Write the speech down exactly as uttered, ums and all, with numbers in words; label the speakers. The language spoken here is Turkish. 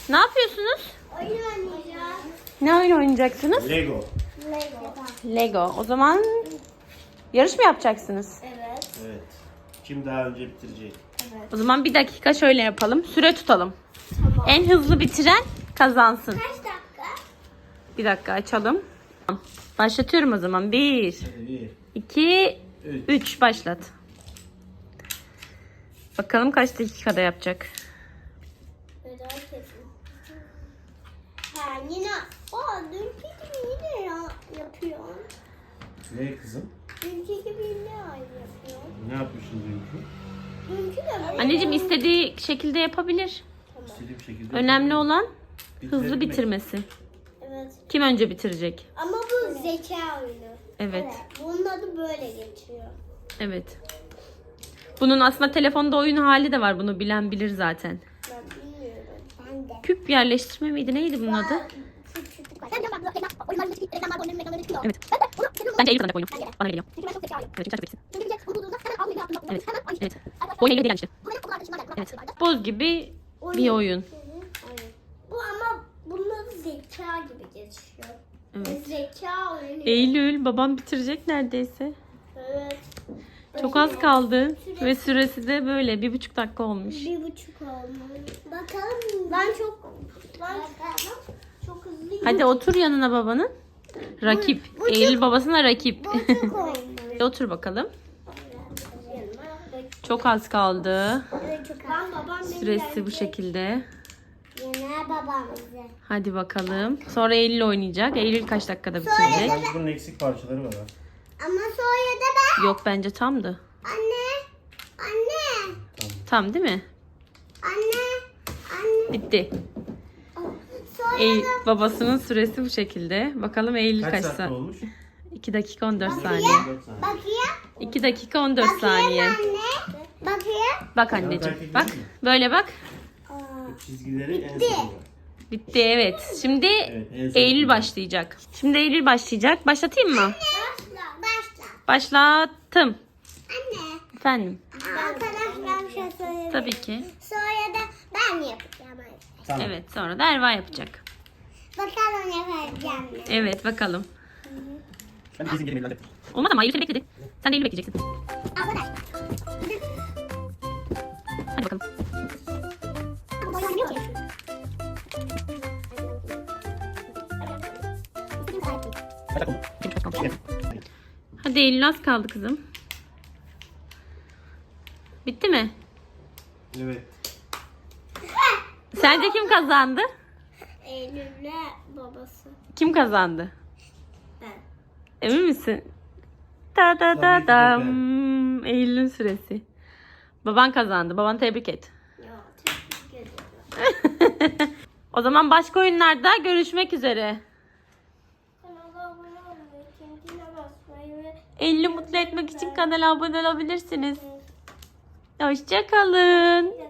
Speaker 1: Ne yapıyorsunuz?
Speaker 2: Oyun oynayacağız.
Speaker 1: Ne oyun oynayacaksınız?
Speaker 3: Lego.
Speaker 2: Lego.
Speaker 1: Lego. O zaman yarış mı yapacaksınız?
Speaker 2: Evet.
Speaker 3: Evet. Kim daha önce bitirecek?
Speaker 1: O zaman bir dakika şöyle yapalım. Süre tutalım.
Speaker 2: Tamam.
Speaker 1: En hızlı bitiren kazansın.
Speaker 2: Kaç dakika?
Speaker 1: Bir dakika açalım. Tamam. Başlatıyorum o zaman. Bir,
Speaker 3: Hadi bir.
Speaker 1: iki,
Speaker 3: Üç.
Speaker 1: üç. Başlat. Bakalım kaç dakikada yapacak.
Speaker 2: Merak ettim. Ha yine. Aa dünkü gibi yine ya, yapıyor.
Speaker 3: Ne kızım?
Speaker 2: Dünkü gibi yine aynı yapıyor.
Speaker 3: Ne yapmışsın dünkü?
Speaker 2: Dünkü de böyle.
Speaker 1: Anneciğim istediği şekilde yapabilir.
Speaker 3: İstediğim şekilde.
Speaker 1: Önemli olan hızlı
Speaker 3: Bitirebilmek.
Speaker 1: bitirmesi.
Speaker 2: Evet.
Speaker 1: Kim önce bitirecek?
Speaker 2: Ama bu zeka oyunu.
Speaker 1: Evet.
Speaker 2: Bunun adı böyle geçiyor.
Speaker 1: Evet. Bunun aslında telefonda oyun hali de var. Bunu bilen bilir zaten.
Speaker 2: Ben bilmiyorum. Ben de.
Speaker 1: Küp yerleştirme miydi? Neydi bunun adı? Evet. Bence Eylül kazanacak oyunu. Bana geliyor. Evet, çünkü sen çok iyisin. Evet. Evet. Oyun Eylül değil işte. Evet. Boz gibi bir oyun.
Speaker 2: Bu ama bunun adı zeka gibi geçiyor.
Speaker 1: Evet.
Speaker 2: Zeka oyunu.
Speaker 1: Eylül babam bitirecek neredeyse.
Speaker 2: Evet.
Speaker 1: Çok az kaldı. Ve süresi de böyle bir buçuk dakika olmuş.
Speaker 2: Bir buçuk olmuş. Bakalım. Ben çok ben çok hızlıyım.
Speaker 1: Hadi otur yanına babanın. Rakip.
Speaker 2: Bu- bu çok-
Speaker 1: Eylül babasına rakip.
Speaker 2: Buçuk olmuş.
Speaker 1: Otur bakalım. Çok az kaldı.
Speaker 2: Ben babam
Speaker 1: Süresi bu şekilde.
Speaker 2: Yener babamızı.
Speaker 1: Hadi bakalım. Sonra Eylül oynayacak. Eylül kaç dakikada bitirecek?
Speaker 3: Bence bunun eksik parçaları var ha.
Speaker 2: Ama sonra da ben.
Speaker 1: Yok bence tamdı.
Speaker 2: Anne. Anne.
Speaker 1: Tam değil mi?
Speaker 2: Anne. Anne.
Speaker 1: Bitti.
Speaker 2: Sonra
Speaker 1: Eylül, babasının süresi bu şekilde. Bakalım Eylül
Speaker 3: Kaç
Speaker 1: kaç
Speaker 3: dakika
Speaker 1: saniye?
Speaker 3: olmuş?
Speaker 1: iki dakika on dört saniye.
Speaker 3: dört saniye.
Speaker 2: bakayım.
Speaker 1: iki dakika on dört saniye.
Speaker 2: Anne. Bakayım.
Speaker 1: Bak
Speaker 3: Yan
Speaker 1: anneciğim.
Speaker 3: takip
Speaker 1: Bak.
Speaker 3: değil mi?
Speaker 1: Böyle bak.
Speaker 3: Çizgileri en sonunda.
Speaker 1: Bitti evet. Şimdi
Speaker 3: Evet, en son
Speaker 1: Eylül
Speaker 3: bitti.
Speaker 1: başlayacak. Şimdi Eylül başlayacak. Başlatayım mı?
Speaker 2: Başla. Başla.
Speaker 1: Başlattım.
Speaker 2: Anne.
Speaker 1: Efendim.
Speaker 2: Arkadaşlar bir şey söyleyeyim.
Speaker 1: Tabii ki.
Speaker 2: Sonra da ben yapacağım.
Speaker 3: Tamam.
Speaker 1: Evet sonra da Erva yapacak.
Speaker 2: Bakalım yapacağım.
Speaker 1: Evet bakalım.
Speaker 3: Ben de bizim gelin evladım.
Speaker 1: Olmaz ama Eylül seni bekledi. Sen de Eylül bekleyeceksin.
Speaker 2: Arkadaşlar.
Speaker 1: Hadi bakalım.
Speaker 3: Kaç dakika olmuş?
Speaker 1: Çok çok kalmış.
Speaker 3: Evet.
Speaker 1: Hadi Eylül az kaldı kızım. Bitti mi?
Speaker 3: Evet.
Speaker 1: Sence kim kazandı?
Speaker 2: Eylül'le babası.
Speaker 1: Kim kazandı?
Speaker 2: Ben.
Speaker 1: Emin misin? Da da
Speaker 3: Tabii
Speaker 1: da
Speaker 3: ki de
Speaker 1: dam. Eylül'ün süresi. Baban kazandı. Babanı tebrik et.
Speaker 2: Ya teşekkür ederim.
Speaker 1: O zaman başka oyunlarda görüşmek üzere.
Speaker 2: Kanala abone olmayı, kendine basmayı ve
Speaker 1: Eylül'ü mutlu etmek için kanala abone olabilirsiniz. Hoşça kalın.